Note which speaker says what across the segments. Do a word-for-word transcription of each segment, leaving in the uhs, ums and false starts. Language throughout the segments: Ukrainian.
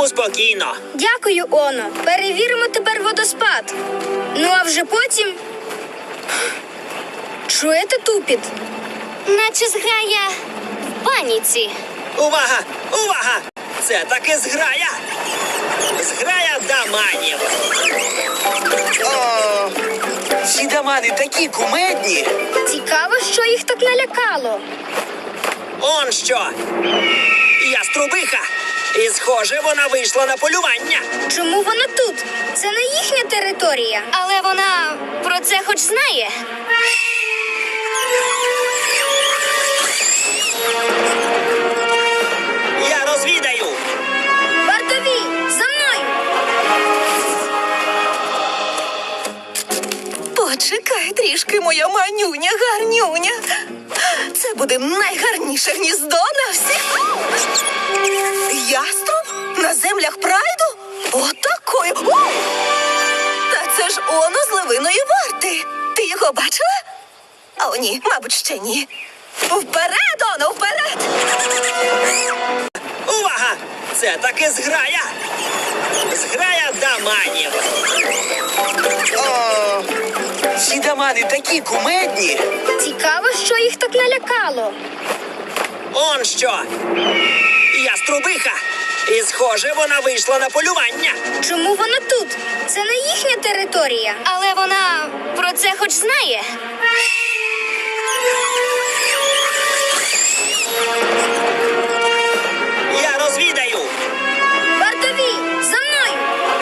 Speaker 1: Тому спокійно.
Speaker 2: Дякую, Оно. Перевіримо тепер водоспад. Ну а вже потім... Чуєте тупіт?
Speaker 3: Наче зграя в паніці.
Speaker 1: Увага! Увага! Це таки зграя! Зграя даманів.
Speaker 4: О, ці дамани такі кумедні.
Speaker 2: Цікаво, що їх так налякало.
Speaker 1: Он що? Яструбиха. І, схоже, вона вийшла на полювання.
Speaker 2: Чому вона тут? Це не їхня територія.
Speaker 3: Але вона про це хоч знає.
Speaker 1: Я розвідаю.
Speaker 2: Вартові, за мною!
Speaker 5: Почекай трішки, моя манюня, гарнюня. Це буде найгарніше гніздо на всіх. Яструб? На землях прайду? Отакою. О! Та це ж Оно з Левиної варти. Ти його бачила? О, ні, мабуть, ще ні. Вперед, Оно, вперед!
Speaker 1: Увага! Це таки зграя. Зграя даманів.
Speaker 4: О, ці дамани такі кумедні.
Speaker 2: Цікаво, що їх так налякало.
Speaker 1: Он що? Яструбиха. І, схоже, вона вийшла на полювання.
Speaker 2: Чому вона тут? Це не їхня територія.
Speaker 3: Але вона про це хоч знає.
Speaker 1: Я розвідаю.
Speaker 2: Вартові, за мною!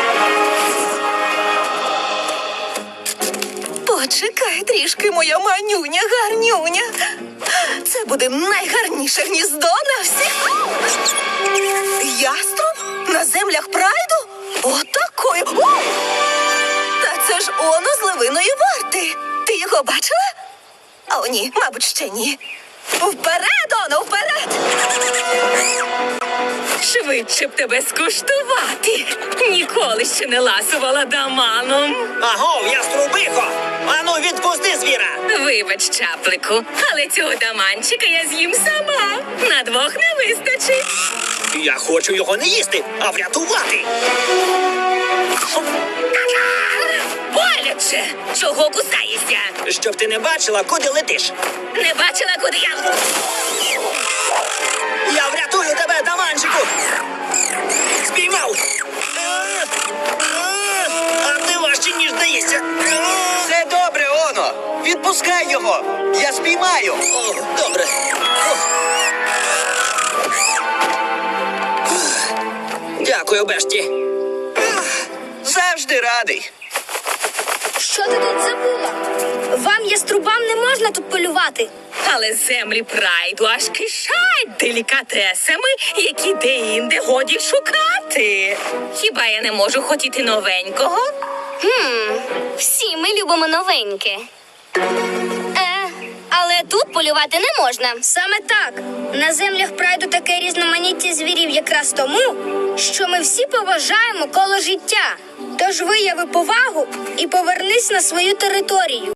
Speaker 5: Почекай трішки, моя манюня, гарнюня. Це буде найгарніше гніздо на всіх. Яструб? На землях прайду? Отакою. О! Та це ж Оно з Левиної варти. Ти його бачила? О, ні, мабуть, ще ні. Вперед, Оно, вперед!
Speaker 6: Швидше б тебе скуштувати. Ніколи ще не ласувала даманом.
Speaker 1: Агов, яструбихо! Ану, відпусти звіра!
Speaker 6: Вибач, чаплику, але цього даманчика я з'їм сама. На двох не вистачить.
Speaker 1: Я хочу його не їсти, а врятувати.
Speaker 6: Боляче! Чого кусаєшся?
Speaker 1: Щоб ти не бачила, куди летиш.
Speaker 6: Не бачила, куди я...
Speaker 1: Я врятую тебе, даманчику! Спіймав! Е, е, А ти важче, ніж здається. Е,
Speaker 4: Все добре, Оно. Відпускай його. Я спіймаю.
Speaker 1: О, добре. О. Дякую, Бешті.
Speaker 4: Завжди радий.
Speaker 2: Що ти тут забула? Вам, яструбам, не можна тут полювати.
Speaker 6: Але землі прайду аж кишать делікатесами, які де-інде годі шукати. Хіба я не можу хотіти новенького?
Speaker 3: Хм, всі ми любимо новеньке. Е, але тут полювати не можна.
Speaker 2: Саме так. На землях прайду таке різноманіття звірів якраз тому, що ми всі поважаємо коло життя. Тож вияви повагу і повернись на свою територію.